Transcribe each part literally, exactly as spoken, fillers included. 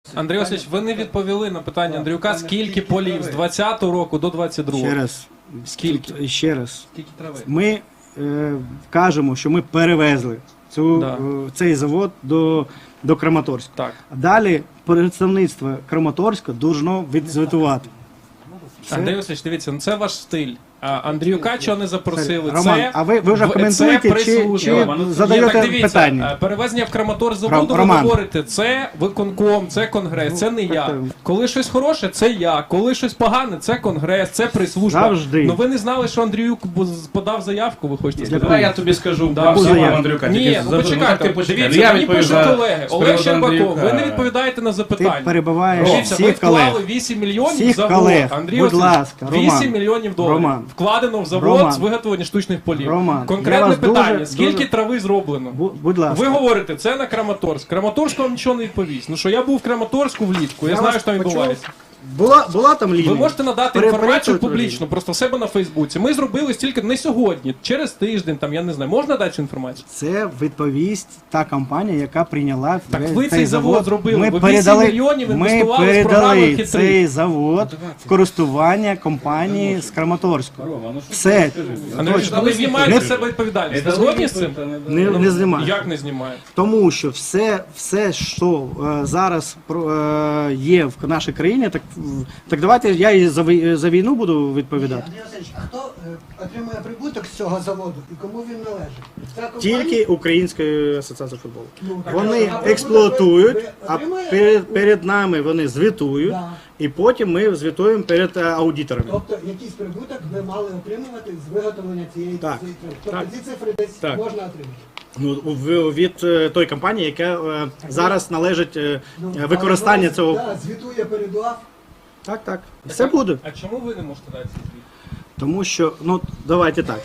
Андрій Васильович, ви не відповіли на питання Андрюка, скільки полів з двадцятого року до двадцять другого? Ще раз. Скільки? Тут ще раз. Скільки трави? Ми е, кажемо, що ми перевезли цю, Да. е, цей завод до, до Краматорська. Так. А далі представництво Краматорська должно відзвітувати. Все. Андрій Васильович, дивіться, ну це ваш стиль. А Андрюка чого не запросили? Роман, це, а ви, ви вже в- коментуєте це чи, прислужба. чи Роман, ну, задаєте Ні, так дивіться, питання? е, перевезення в Краматорськ-заводу, ви Роман. говорите, це виконком, це конгрес, це не я. так. Коли щось хороше, це я. Коли щось погане, це конгрес, це прислужба. Завжди. Ну ви не знали, що Андрюк бу- подав заявку, ви хочете сказати? Давай я тобі скажу Да, про яку всього заяву? Андрюка. Ні, тільки ну за- почекайте, так ти почекай. дивіться, Я мені пишуть відповідаю колеги. з Олег приводу Щербаков, ви не Андрюка. відповідаєте на Ти запитання. перебиваєш Дивіться, ви всіх вклали колег. вісім мільйонів Всіх в завод. колег. Андрій Будь Васильович, ласка, Роман. вісім мільйонів доларів Роман. вкладено в завод Роман. з виготовлення штучних полів. Роман, я Конкретне вас питання, дуже- скільки дуже- трави зроблено? Бу- Будь ласка. Ви говорите, це на Краматорськ. Краматорськ вам нічого не відповість. Ну що я був в Краматорську влітку, я, Я знаю, вас що там почув. відбувається. Була, була там лінія? Ви можете надати Пере- інформацію перепитуйте публічно, лінію. просто в себе на Фейсбуці. Ми зробили стільки, не сьогодні, через тиждень, там, я не знаю. Можна дати цю інформацію? Це відповість та компанія, яка прийняла Так весь ви цей завод зробили, Ми ви вісім передали, мільйонів ми інвестували з програми передали «Хитрий». цей завод в користування компанії з Краматорська. Все. Андрій, Точно. ви знімаєте Не- з себе відповідальність. Ви згодні з цим? Не, не знімаю. Як не знімаєте? Тому що все, все що е, зараз про- е, є в нашій країні, так, так давайте я і за, вій- за війну буду відповідати. Андрій Васильович, а хто е, отримує прибуток з цього заводу і кому він належить? Ця компанія? Тільки Української асоціації футболу. Ну, так, Вони а прибуток експлуатують, ви- ви а отримуєте? перед, перед нами вони звітують, Да. і потім ми звітуємо перед е, аудиторами. Тобто якийсь прибуток ви мали отримувати з виготовлення цієї Так. цієї трави. Тобто Так. ці цифри десь Так. можна отримати. Ну, в- від е, той компанії, яка е, зараз належить е, Ну, е, використання але цього. Да, звітує перед УАФ. Так, так. Все буде. А чому ви не можете дати цей звіт? Тому що, ну, давайте так.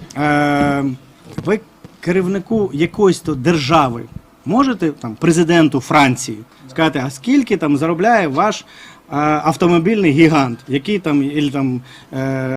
Е, ви керівнику якоїсь то держави можете, там, президенту Франції, сказати, а скільки там заробляє ваш е, автомобільний гігант, який там, іль, там е,